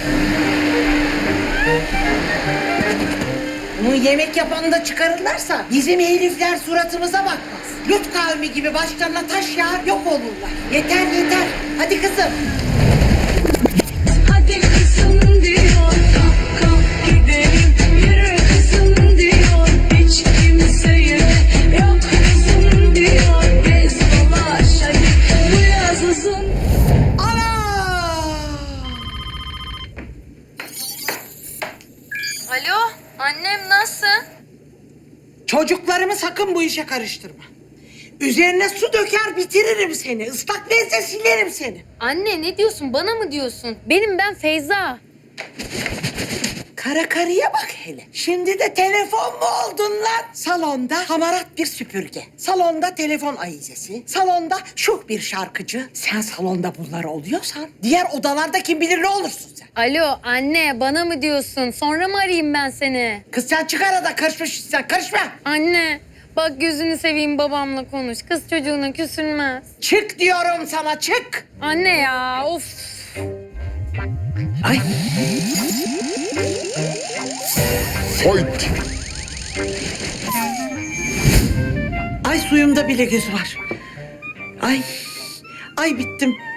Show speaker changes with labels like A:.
A: Bunu yemek yapanı da çıkarırlarsa bizim herifler suratımıza bakmaz. Lut kavmi gibi başlarına taş yağar yok olurlar. Yeter yeter. Hadi kızım.
B: Hadi kızım diyor, kalk kalk gidelim. Yürü kızım diyor, hiç kimseye yok kızım diyor. Gez dolaş hadi, bu yaz uzun.
A: Ana!
C: Alo, annem nasıl?
A: Çocuklarımı sakın bu işe karıştırma. Üzerine su döker bitiririm seni. Islak bezle silerim seni.
C: Anne ne diyorsun? Bana mı diyorsun? Ben Feyza.
A: Kara karıya bak hele. Şimdi de telefon mu oldun lan? Salonda hamarat bir süpürge. Salonda telefon ayizesi. Salonda şuh bir şarkıcı. Sen salonda bunlar oluyorsan diğer odalarda kim bilir ne olursun sen.
C: Alo anne bana mı diyorsun? Sonra mı arayayım ben seni?
A: Kız sen çık arada karışmış sen karışma.
C: Anne bak gözünü seveyim babamla konuş. Kız çocuğuna küsülmez.
A: Çık diyorum sana çık.
C: Anne ya of.
A: Ay.
D: Fight!
A: Ay suyumda bile göz var. Ay. Ay bittim.